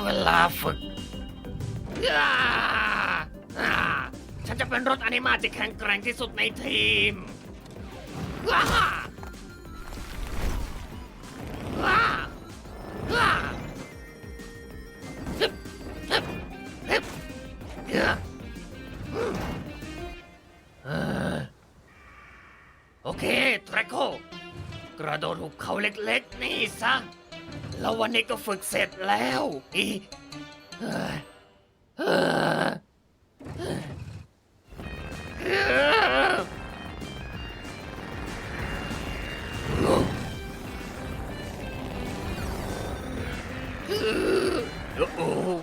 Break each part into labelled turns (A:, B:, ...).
A: เวลาฝึกอ่าอ่าฉันจะเป็นรถอนิมาที่แข็งแกร่งที่สุดในทีมว้าว้าว้าฮึบฮึบฮึบโอเคแทร็กโคกระโดดหุบเขาเล็กๆนี่ซะแล้ววันนี้ก็ฝึกเสร็จแล้วอีเฮ้ยเฮ้ยโอ้โห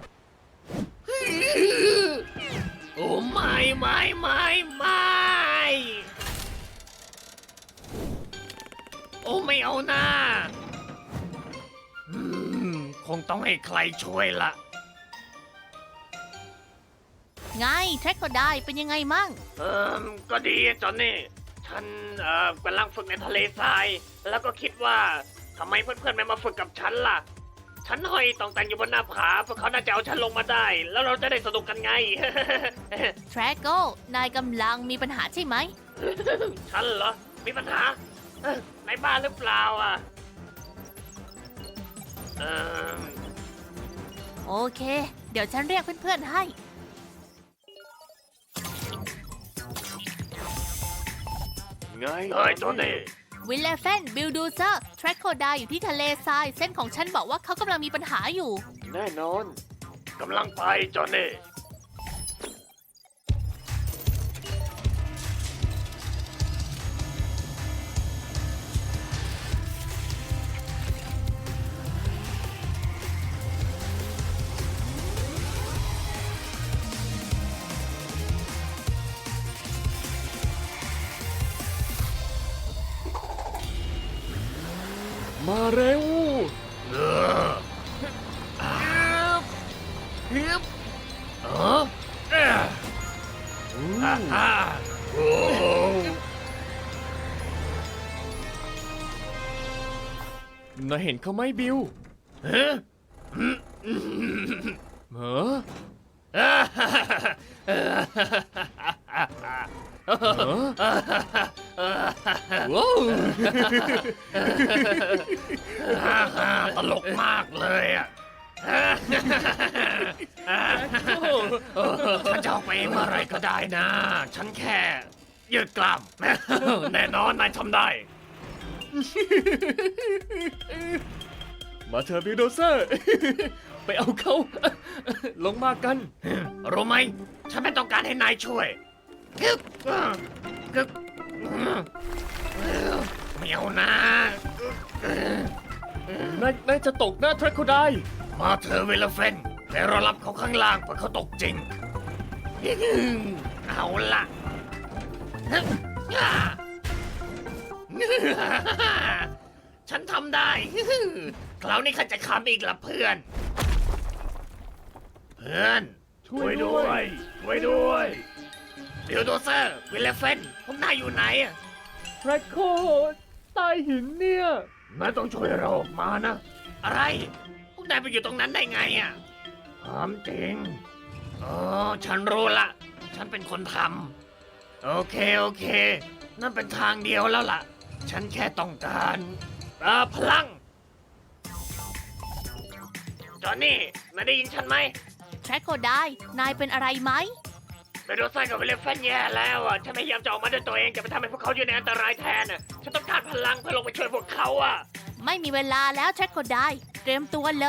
A: โอ้ไม่โอ้ไม่เอาหน้าคงต้องให้ใครช่วยละ
B: ไงแทร็กก็ได้เป็นยังไงมั่ง
A: ก็ดีจอนนี่ฉันกำลังฝึกในทะเลทราย แล้วก็คิดว่าทำไมเพื่อนๆไม่มาฝึกกับฉันล่ะ ฉันห้อยต้องแต่งอยู่บนหน้าผาพวกเขาน่าจะเอาฉันลงมาได้ แล้วเราจะได้สนุกกันไง
B: แทร็กโก้นายกำลังมีปัญหาใช่ไหม
A: ฉันเหรอ มีปัญหา ในบ้านหรือเปล่าอ่ะ
B: โอเค เดี๋ยวฉันเรียกเพื่อนๆให้
A: ไงเฮ้ยจอนนี่
B: วิลเลฟนบิลดูเซอร์แทร็กโคไดอยู่ที่ทะเลทราย เส้นของฉันบอกว่าเขากำลังมีปัญหาอยู่
A: แน่นอนกำลังไปจอนนี่
C: มาเร็ว
A: ฮึบฮ่าโอ้
C: นายเห็นเขาไหมบิล
A: ฮะ
C: เหรอ ว้าว
A: ตลกมากเลยอ่ะฉันจะออกไปเองเมื่อไรก็ได้นะ ฉันแค่ยืดกล้าม แน่นอนนายทำได้
C: มาเถอะบิลโดเซอร์ ไปเอาเขา ลงมากัน
A: รู้ไหม ฉันไม่ต้องการให้นายช่วยกึบกึบไม่เอานะ
C: นายจะตกหน้าแทร็กโคได
A: มาเธอเวลเฟนแต่เรารับเขาข้างล่างเพราะเขาตกจริง เอาละฉันทำได้ คราวนี้ข้าจะขำอีกละเพื่อน เพื่อน ช่วยด้วยบิลโดเซอร์วิลเลฟเฟนพวกนายอยู่ไหนอะ
C: แทร็กโคใต้หินเนี่ย
A: นายต้องช่วยเราออกมานะ อะไร พวกนายไปอยู่ตรงนั้นได้ไงอ่ะถามจริงอ๋อฉันรู้ละ ฉันเป็นคนทำโอเค นั่นเป็นทางเดียวแล้วล่ะ ฉันแค่ต้องการพลัง จอนนี่นายได้ยินฉันไหม
B: แทร็กโคไดนายเป็นอะไรไหม
A: ไปโดนไส้กับเวลเฟนแย่แล้วอ่ะ ฉันพยายามจะออกมาด้วยตัวเองจะไปทำให้พวกเขาอยู่ในอันตรายแทนอ่ะ ฉันต้องการพลังเพื่อลงไปช่วยพวกเขาอ่ะ
B: ไม่มีเวลาแล้วแทร็กโคไดเตรียมตัวเลย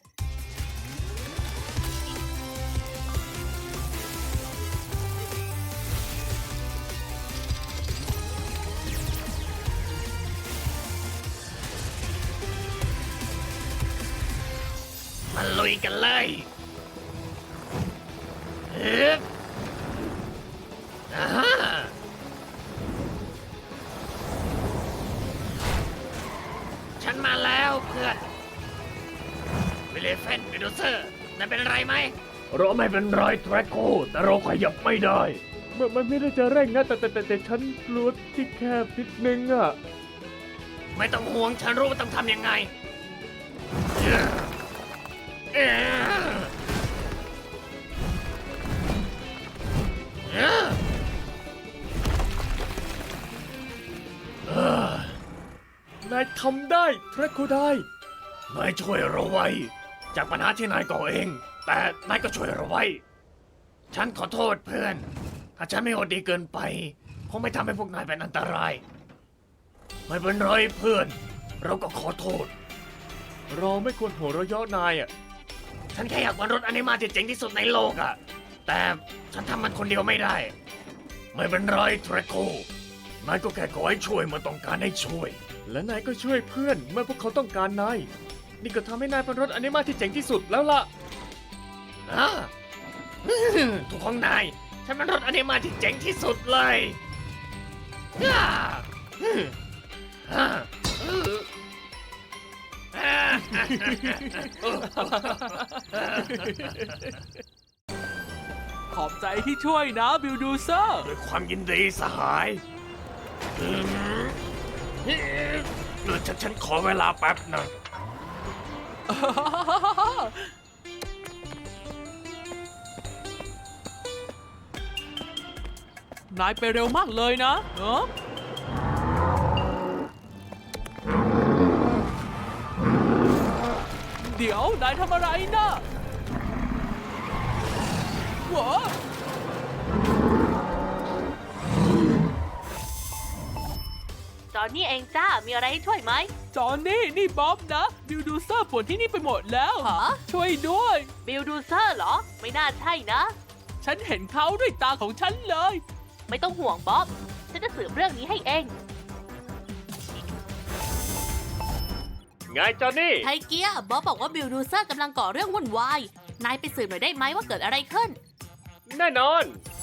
A: มาลุยกันเลยฮึบอ่าฮะฉันมาแล้วเพื่อนวิลเลฟเฟนบิลโดเซอร์นายเป็นอะไรไหม เราไม่เป็นไรแทร็กโคแต่เราขยับไม่ได้
C: มันไม่ได้จะเร่งนะ แต่ฉันกลัวที่แคบนิดนึงอ่ะ
A: ไม่ต้องห่วงฉันรู้ว่าต้องทำยังไง
C: นายทำได้แทร็กโคได
A: นายช่วยเราไว้ จากปัญหาที่นายก่อเอง แต่นายก็ช่วยเราไว้ ฉันขอโทษเพื่อน ถ้าฉันไม่โหดดีเกินไปคงไม่ทำให้พวกนายเป็นอันตราย ไม่เป็นไรเพื่อน เราก็ขอโทษ
C: เราไม่ควรหัวเราะเยาะนายอ่ะ
A: ฉันแค่อยากวันรถอนิมาที่เจ๋งที่สุดในโลกอะแต่ฉันทำมันคนเดียวไม่ได้ ไม่เป็นไรเทรโค นายก็แค่ขอให้ช่วยเมื่อต้องการให้ช่วย
C: และนายก็ช่วยเพื่อนเมื่อพวกเขาต้องการนาย นี่ก็ทำให้นายเป็นรถอนิมาที่เจ๋งที่สุดแล้วล่ะ
A: นะ ถูกของนาย ฉันเป็นรถอนิมาที่เจ๋งที่สุดเลยอ่าอ่าอ่า
D: ขอบใจที่ช่วยนะบิลดูเซอร์
A: ด้วยความยินดีสหายฉันขอเวลาแป๊บนะ
D: นายไปเร็วมากเลยนะเดี๋ยวนายทำอะไรนะวะ
B: จอนนี่เองจ้า มีอะไรให้ช่วยไหม
D: จอนนี่บ๊อบนะบิลดูเซอร์ปวดที่นี่ไปหมดแล้ว
B: ฮะ
D: ช่วยด้วย
B: บิลดูเซอร์เหรอ ไม่น่าใช่นะ
D: ฉันเห็นเขาด้วยตาของฉันเลย
B: ไม่ต้องห่วงบ๊อบ ฉันจะสืบเรื่องนี้ให้เอง
C: ไงจอนนี่
B: ไทเกียบ๊อบบอกว่าบิลดูเซอร์กำลังก่อเรื่องวุ่นวาย นายไปสืบหน่อยได้ไหมว่าเกิดอะไรขึ้น
C: แน่นอน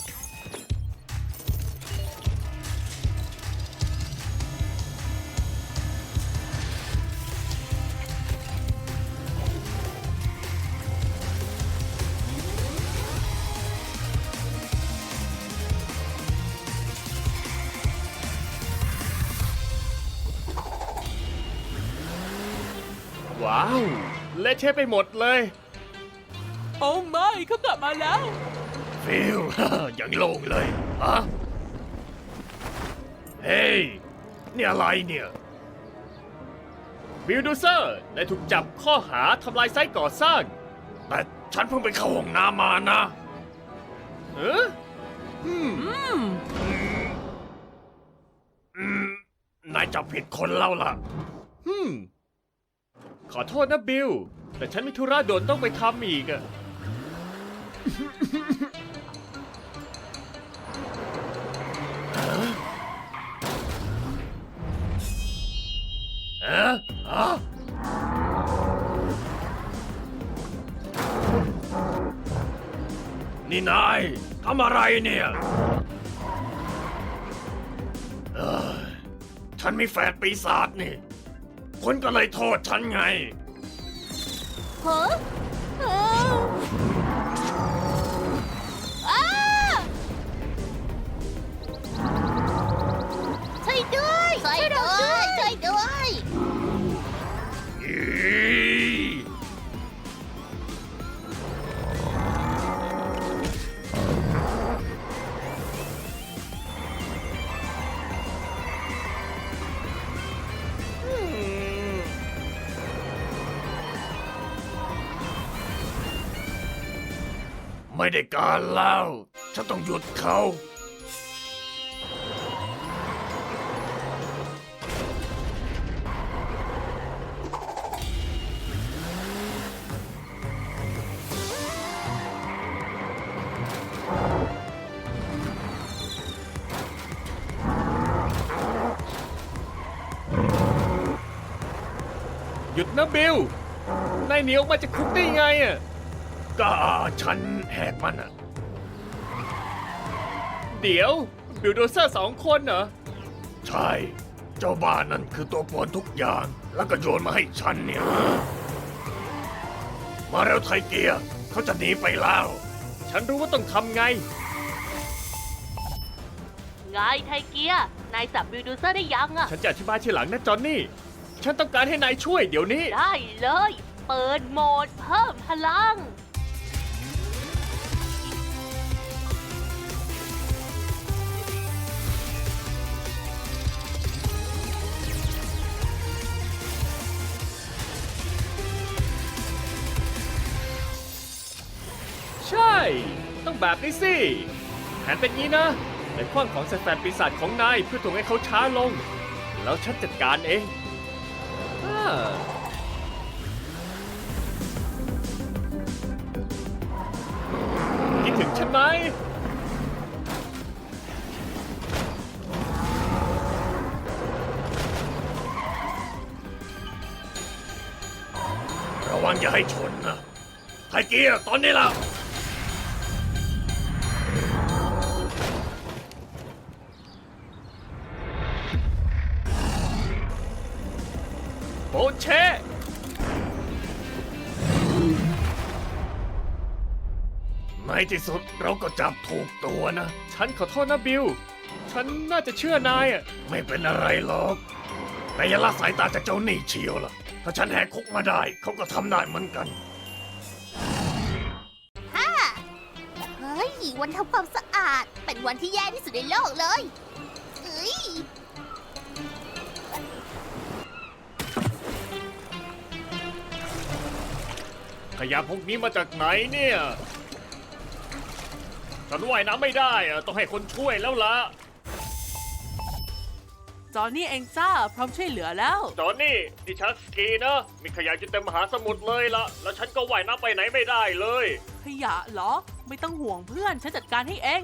C: ว้าว เละเทะไปหมดเลย
D: โอ้ไม่เขากลับมาแล้ว
A: ฟิล อย่างโล่งเลยอะเฮ้ย นี่อะไรเนี่ย
C: บิลดูเซอร์นายถูกจับข้อหาทำลายไซต์ก่อสร้าง
A: แต่ฉันเพิ่งไปเข้าห้องน้ำมานะ
C: เออ
A: นายจับผิดคนแล้วล่ะ
C: ขอโทษนะบิล แต่ฉันมีธุระด่วนต้องไปทำอีกอะ
A: เอ๊ะอะนี่นายทำอะไรเนี่ยเอ้ยฉันมีแฝดปีศาจนี่คุณก็เลยโทษฉันไง
B: ฮะช่วยด้วยช่วยด้วยช่วยด้วย
A: อีไม่ได้การแล้ว ฉันต้องหยุดเขา
C: หยุดนะบิล นายหนีออกมาจากคุกได้ไงอะ
A: ก็ฉันแหกมันอะ
C: เดี๋ยว บิลโดเซอร์สองคนเหรอ
A: ใช่ เจ้าบ้านนั่นคือตัวป่วนทุกอย่าง แล้วก็โยนมาให้ฉันเนี่ย มาแล้วไทเกียร์เขาจะหนีไปแล้ว
C: ฉันรู้ว่าต้องทำไง
B: ไงไทเกีย นายจับบิลดูเซอร์ได้ยังอะ
C: ฉันจะอธิบายทีหลังนะจอนนี่ ฉันต้องการให้นายช่วยเดี๋ยวนี้
B: ได้เลย เปิดโหมดเพิ่มพลัง
C: ใช่ ต้องแบบนี้สิแผนเป็นงี้นะในคว้างของแฟนปีศาจของนายเพื่อถ่วงให้เขาช้าลง แล้วฉันจัดการเองอ่าคิดถึงฉันไหม
A: ระวังอย่าให้ชนนะไทเกียร์ตอนนี้ล่ะ
C: โบเช
A: ในที่สุดเราก็จับถูกตัวนะ
C: ฉันขอโทษนะบิล ฉันน่าจะเชื่อนายอ่ะ
A: ไม่เป็นอะไรหรอกแต่อย่าละสายตาจากเจ้าหนี้เชียวล่ะ ถ้าฉันแหกคุกมาได้เขาก็ทำได้เหมือนกัน
B: เฮ้ย วันทำความสะอาด เป็นวันที่แย่ที่สุดในโลกเลยเอ้ย
C: ขยะพวกนี้มาจากไหนเนี่ย ฉันว่ายน้ำไม่ได้อะต้องให้คนช่วยแล้วล่ะ
D: จอห์นนี่เองจ้า พร้อมช่วยเหลือแล้ว
C: จอนนี่ดิฉันสกีนะ มีขยะจนเต็มมหาสมุทรเลยละแล้วฉันก็ว่ายน้ำไปไหนไม่ได้เลย
D: ขยะเหรอ ไม่ต้องห่วงเพื่อน ฉันจัดการให้เอง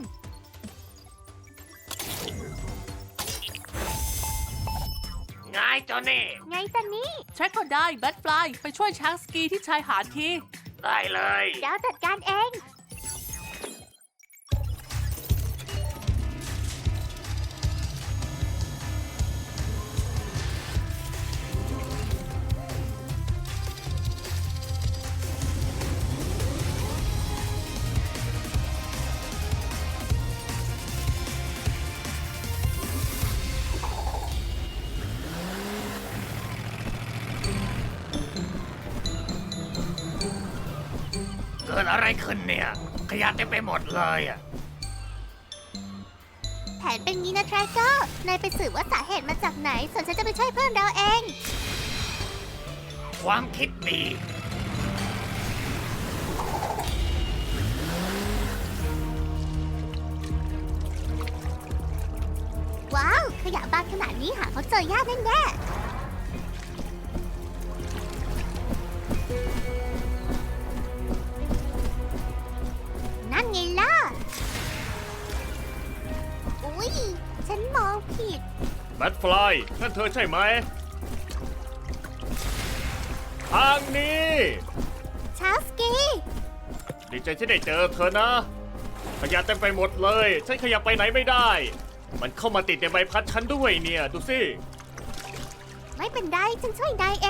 A: ไงจอนนี่
B: ไงจันนี่
D: แทร็กก็ได้แบทฟลายไปช่วยช้างสกีที่ชายหาดที
A: ได้เลย
B: เดี๋ยวจัดการเอง
A: เกิดอะไรขึ้นเนี่ย ขยะเต็มไปหมดเลยอ่ะ
B: แผนเป็นงี้นะแทร็กเกอร์ นายไปสืบว่าสาเหตุมาจากไหน ส่วนฉันจะไปช่วยเพื่อนเราเอง
A: ความคิดดี
B: ว้าว ขยะบางขนาดนี้หาเขาเจอยากแน่ๆนั่นไงล่ะ อุ๊ย ฉันมองผิด
C: แบทฟลายนั่นเธอใช่ไหม ทางนี้
B: ชาสกี้
C: ดีใจที่ได้เจอเธอนะ ขยะเต็มไปหมดเลย ฉันขยับไปไหนไม่ได้ มันเข้ามาติดในใบพัดฉันด้วยเนี่ย ดูสิ
B: ไม่เป็นไร ฉันช่วยนายเอง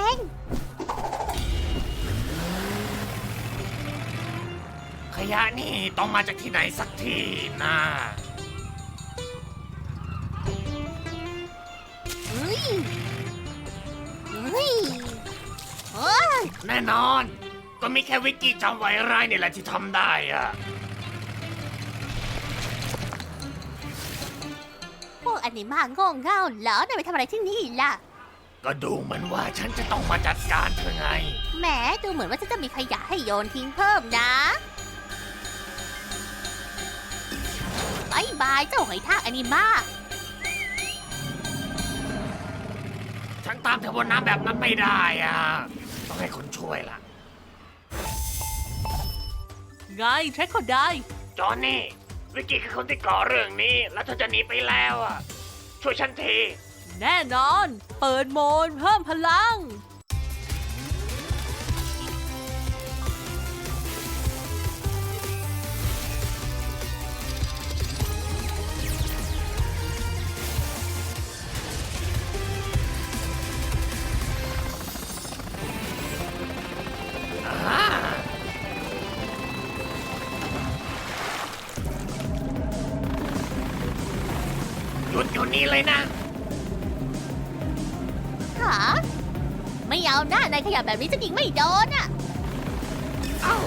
A: ขยะนี่ต้องมาจากที่ไหนสักทีนะ
B: เฮ้ย เฮ้ยเฮ้ย
A: แน่นอน ก็มีแค่วิกกี้จำไว้ไรนี่แหละที่ทำได้อะ
B: พวกอนิมาโง่เง่าเหรอนายไปทำอะไรที่นี่ล่ะ
A: ก็ดูเหมือนว่าฉันจะต้องมาจัดการเธอไง
B: แหมดูเหมือนว่าฉันจะมีขยะให้โยนทิ้งเพิ่มนะบายบายเจ้าหอยทากอนิมา
A: ฉันตามเธอบนน้ำแบบนั้นไม่ได้อ่ะ ต้องให้คนช่วยล่ะ
D: ไงแทร็กก็ได้
A: จอห์นนี่ วิกกี้คือคนที่ก่อเรื่องนี้ แล้วเธอจะหนีไปแล้วอ่ะ ช่วยฉันที
D: แน่นอน เปิดโหมดเพิ่มพลัง
A: อ่าหยุดอยู่นี่เลยนะ
B: หาไม่เอาหน้าในขยะแบบนี้จะยิงไม่โดนอ่ะ
A: เอ้า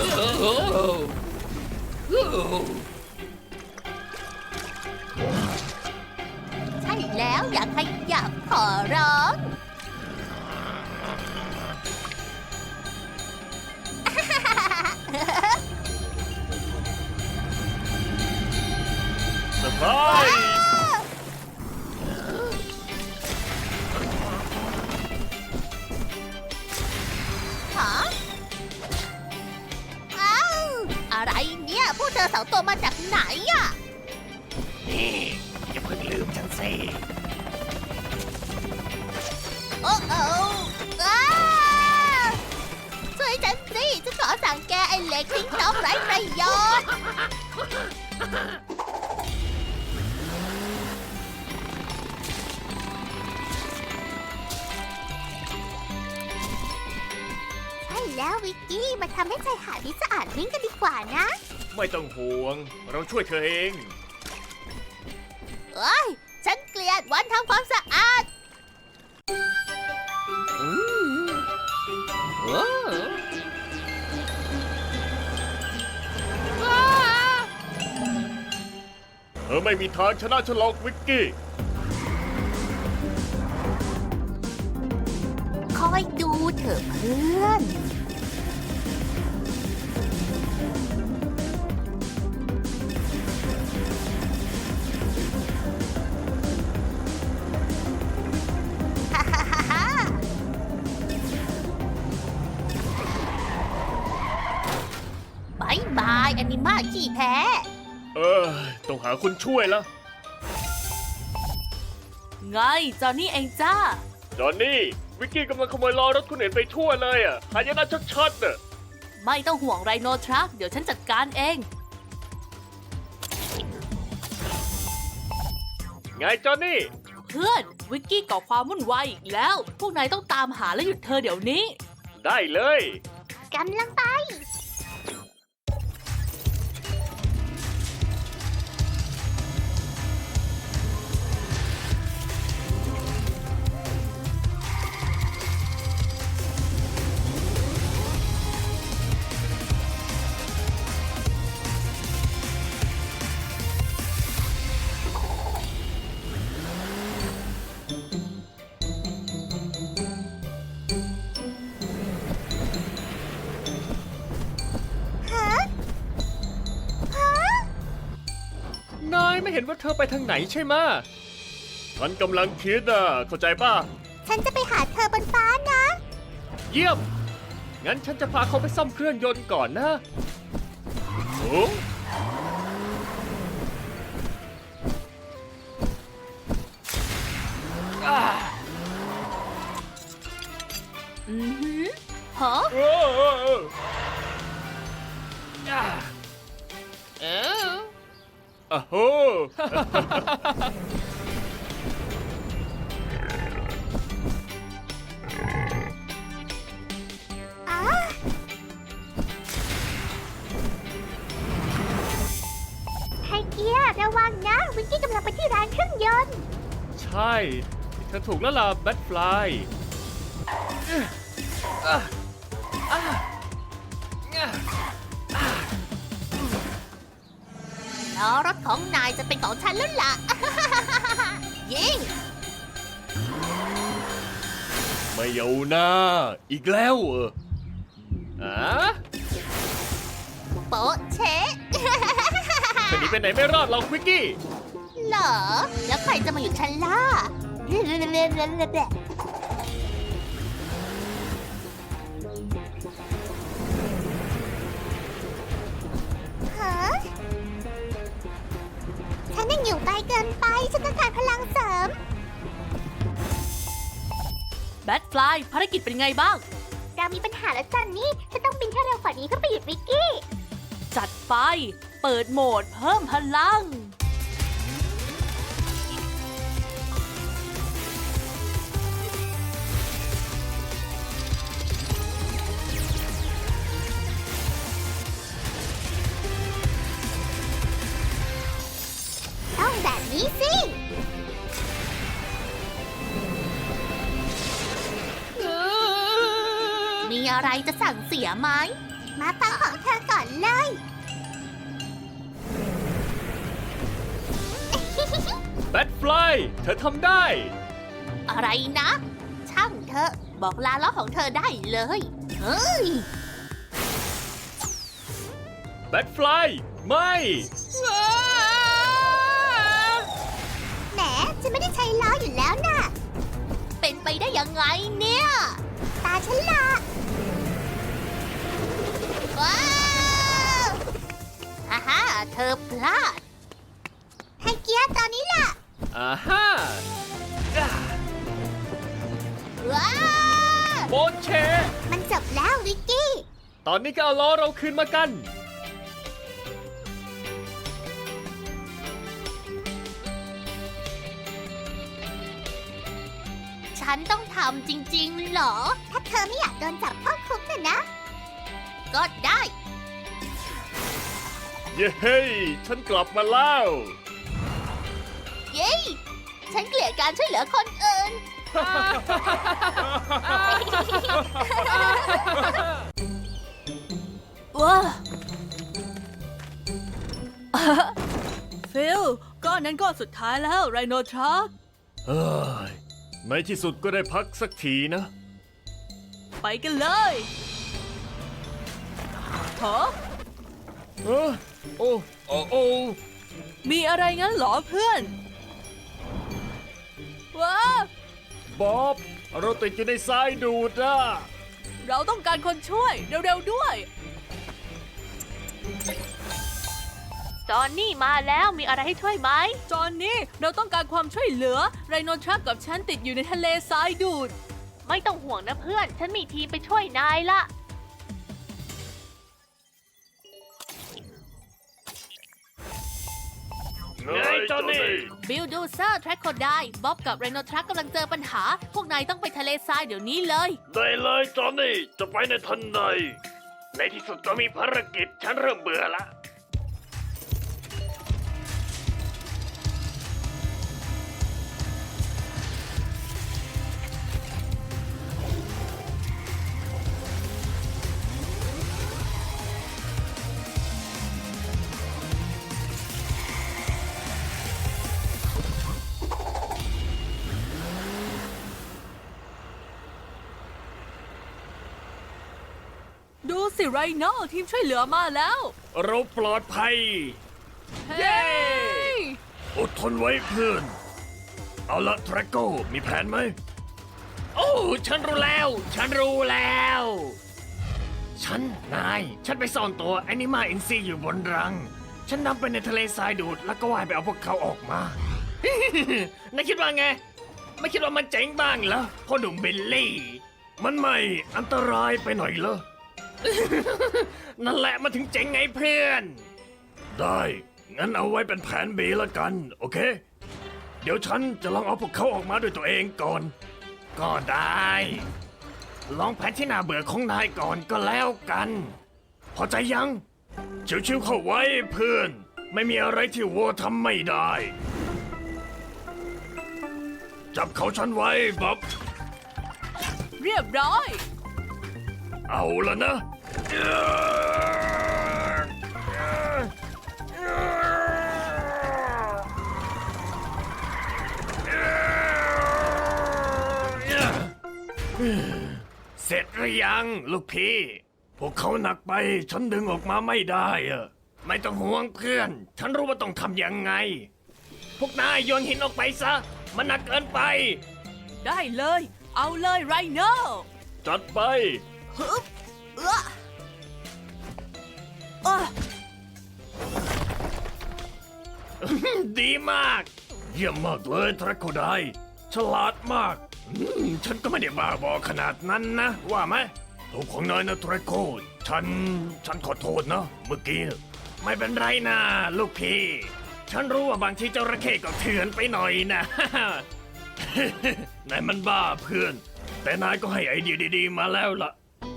C: เ
B: อร้อง
C: เซอร์ไพรส์
B: ฮะอ้าวอะไรเนี่ย พวกเธอสองตัวมาจากไหนอะ
A: นี่อย่าเพิ่งลืมฉันสิ
B: โอ้โอ้อ้าช่วยฉันสิฉันขอสั่งแกไอ้เหล็กทิ้งน้องไร้ประโยชน์ ใช่แล้ววิกกี้ มาทำให้ชายหาดนี้สะอาดวิ่งกันดีกว่านะ
C: ไม่ต้องห่วง เราช่วยเธอเอง
B: เอ้ย ฉันเกลียดวันทำความสะอาด
C: เธอไม่มีทางชนะฉันหรอกวิกกี้
B: คอยดูเถอะเพื่อน ฮ่าฮ่าฮ่าฮ่าบายบายแอนิมาขี้แพ้
C: ต้องหาคนช่วยละ
E: ไงจอนนี่เองจ้า
C: จอนนี่ วิกกี้กำลังขโมยล้อรถคนอื่นไปทั่วเลยอ่ะหายนะชัดๆน่ะ
E: ไม่ต้องห่วงไรโนทรัคเดี๋ยวฉันจัดการเอง
C: ไงจอนนี่
E: เพื่อนวิกกี้ก่อความวุ่นวายอีกแล้ว พวกนายต้องตามหาและหยุดเธอเดี๋ยวนี้
C: ได้เลย
B: กำลังไป
C: นายไม่เห็นว่าเธอไปทางไหนใช่ไหมะฉันกำลังคิดอ่ะ เข้าใจป่ะ
B: ฉันจะไปหาเธอบนฟ้านะ
C: เยี่ยม งั้นฉันจะพาเขาไปซ่อมเครื่องยนต์ก่อนนะโอ้
E: อือหือฮะ
C: โอ้โอ้โอ้อะโห
B: ไฮเกียร์ระวังนะ วิกกี้กำลังไปที่ร้านเครื่องยนต์
C: ใช่ เธอถูกแล้วล่ะแบทฟลาย
B: ล้อรถของนายจะเป็นของฉันแล้วล่ะ ยิง
C: ไม่เอาหน้า อีกแล้วอ่ะ
B: โป๊ะเชะ
C: จะหนีไปไหนไม่รอดหรอกวิกกี้
B: เหรอ แล้วใครจะมาอยู่ฉันล่ะ ฮะ ฉันยังอยู่ไกลเกินไป ฉันต้องการพลังเสริม
E: แบทฟลายภารกิจเป็นไงบ้าง
B: เรามีปัญหาแล้วจันนี่ ฉันต้องบินให้เร็วกว่านี้เพื่อไปหยุดวิกกี้
E: จัดไป เปิดโหมดเพิ่มพลัง
B: ต้องแบบนี้สิ มีอะไรจะสั่งเสียไหม มาฟังของเธอก่อนเลย
C: แบทฟลาย เธอทำได้
B: อะไรนะ ช่างเถอะบอกลาล้อของเธอได้เลย เฮ้ย
C: แบทฟลายไม่
B: แหมฉันไม่ได้ใช้ล้ออยู่แล้วน่ะ เป็นไปได้ยังไงเนี่ย ตาฉันละว้าวฮ่าฮ่าเธอพลาด ให้เกียร์ตอนนี้ล่ะ
C: อ่าฮ่า
B: ว้าว
C: โบนเช
B: มันจบแล้ววิกกี้
C: ตอนนี้ก็เอาล้อเราคืนมากัน
B: ฉันต้องทำจริงๆเหรอ ถ้าเธอไม่อยากโดนจับเข้าคุกน่ะนะ ก็ได้
C: เย้ ฉันกลับมาแล้ว
B: เย้ ฉันเกลียดการช่วยเหลือคนอื่น
E: ว้า ฟิลก้อนนั้นก้อนสุดท้ายแล้วไรโนทรัค
C: เฮ้ย ในที่สุดก็ได้พักสักทีนะ
E: ไปกันเลยฮะ
C: เออโอ้โอ้โอ้
E: มีอะไรงั้นเหรอเพื่อนว้า
C: บ๊อบ เราติดอยู่ในทรายดูดอะ
E: เราต้องการคนช่วยเร็วๆด้วย จอนนี่มาแล้วมีอะไรให้ช่วยไหม จอนนี่เราต้องการความช่วยเหลือไรโนทรัคกับฉันติดอยู่ในทะเลทรายดูด ไม่ต้องห่วงนะเพื่อน ฉันมีทีมไปช่วยนายละ
C: ไงจอนนี่
E: บิลดูเซอร์แทร็กโคไดบ๊อบกับไรโนทรัคกำลังเจอปัญหา พวกนายต้องไปทะเลทรายเดี๋ยวนี้เลย
A: ได้เลยจอนนี่ จะไปในทันใด ในที่สุดก็มีภารกิจ ฉันเริ่มเบื่อละ
E: ดูสิไรโนทีมช่วยเหลือมาแล้ว
A: เราปลอดภัย
E: เย้
A: อดทนไว้เพื่อน เอาละทรัคโกมีแผนไหม โอ้ ฉันรู้แล้ว ฉันรู้แล้ว ฉันไปซ่อนตัวแอนิมาอินซีอยู่บนรัง ฉันนำไปในทะเลทรายดูด แล้วก็ว่ายไปเอาพวกเขาออกมา นายคิดว่าไง ไม่คิดว่ามันเจ๋งบ้างเหรอพ่อหนุ่มบิลลี่ มันไม่อันตรายไปหน่อยเหรอ นั่นแหละมันถึงเจ๋งไงเพื่อน ได้ งั้นเอาไว้เป็นแผน B ละกัน โอเค เดี๋ยวฉันจะลองเอาพวกเขาออกมาด้วยตัวเองก่อน ก็ได้ ลองแผนที่น่าเบื่อของนายก่อนก็แล้วกัน พอใจยัง ชิวๆเข้าไว้เพื่อน ไม่มีอะไรที่วัวทำไม่ได้ จับเขาฉันไว้บ๊อบ
E: เรียบร้อย
A: เอาละนะ เสร็จหรือยังลูกพี่ พวกเขาหนักไป ฉันดึงออกมาไม่ได้อะไม่ต้องห่วงเพื่อน ฉันรู้ว่าต้องทำยังไง พวกนายโยนหินออกไปซะ มันหนักเกินไป
E: ได้เลย เอาเลยไรโน
C: จัดไป
E: ฮึบเอ้ออ้อ
A: ดีมาก เยี่ยมมากเลยทรัคโคไดฉลาดมากฉันก็ไม่ได้บ้าบอขนาดนั้นนะ ว่าไหมถูกของนายนะทรัคโคฉันขอโทษนะเมื่อกี้ไม่เป็นไรนะลูกพี่ ฉันรู้ว่าบางทีเจ้าระเข้ก็เถื่อนไปหน่อยนะ นายมันบ้าเพื่อน แต่นายก็ให้ไอเดียดีๆมาแล้วล่ะ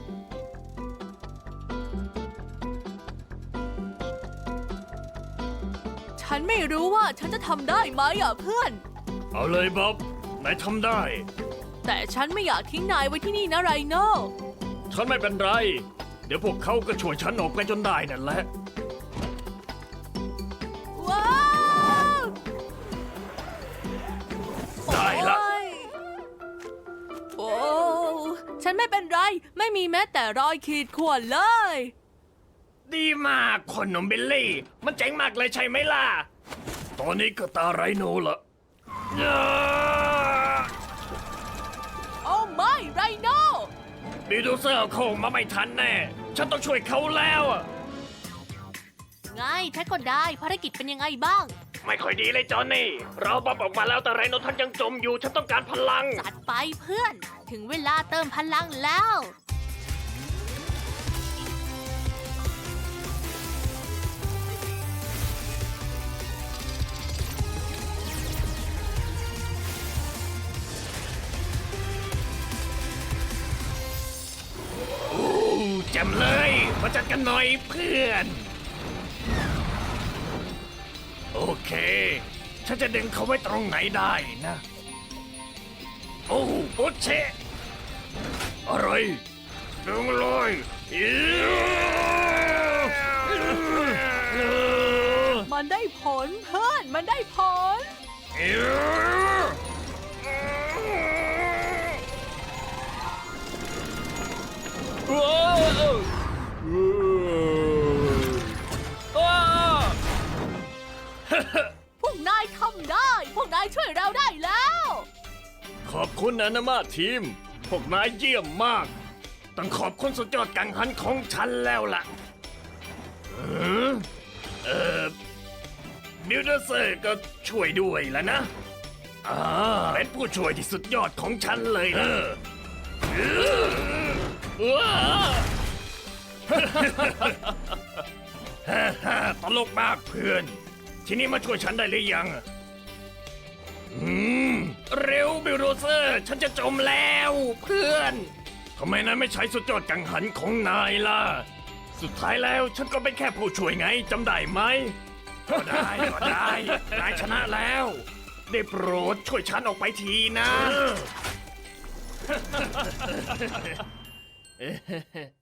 E: ฉันไม่รู้ว่าฉันจะทำได้ไหมอ่ะเพื่อน
A: เอาเลยบ๊อบนายทำได้
E: แต่ฉันไม่อยากทิ้งนายไว้ที่นี่นะไรโน
A: ฉันไม่เป็นไร เดี๋ยวพวกเขาก็ช่วยฉันออกไปจนได้นั่นแหละ
E: ว้าว
A: ได้ละ
E: โอ้ยฉันไม่เป็นไร ไม่มีแม้แต่รอยขีดข่วนเลย
A: ดีมากคนหนุ่มบิลลี่ มันเจ๋งมากเลยใช่ไหมล่ะ ตอนนี้ก็ตาไรโนละ
E: โอ้ไม่ไรโน
A: บิลดูเซอร์คงมาไม่ทันแน่ ฉันต้องช่วยเขาแล้วอะ
E: ไงฉันก็ได้ภารกิจเป็นยังไงบ้าง
A: ไม่ค่อยดีเลยจอห์นนี่ เราบอมออกมาแล้วแต่ไรโนท่านยังจมอยู่ ฉันต้องการพลัง
E: จัดไปเพื่อน ถึงเวลาเติมพลังแล้ว
A: แจ่มเลย มาจัดกันหน่อยเพื่อน โอเค ฉันจะดึงเขาไว้ตรงไหนได้นะ โอ้โอเชะอะไร ดึงเลยอิ๊ว
E: มันได้ผลเพื่อน มันได้ผล
A: อิ๊วว้าว
E: พวกนายทำได้ พวกนายช่วยเราได้แล้ว
A: ขอบคุณนะนามาทีม พวกนายเยี่ยมมาก ต้องขอบคุณสุดยอดกังหันของฉันแล้วล่ะบิลเดอร์เซอร์ก็ช่วยด้วยแล้วนะเป็นผู้ช่วยที่สุดยอดของฉันเลยนะว้าตลกมากเพื่อน ทีนี้มาช่วยฉันได้หรือยัง เร็วบิลโดเซอร์ ฉันจะจมแล้วเพื่อนทำไมนายไม่ใช้สุดยอดกังหันของนายล่ะ สุดท้ายแล้วฉันก็เป็นแค่ผู้ช่วยไงจำได้ไหม ก็ได้นายชนะแล้ว ได้โปรดช่วยฉันออกไปทีนะ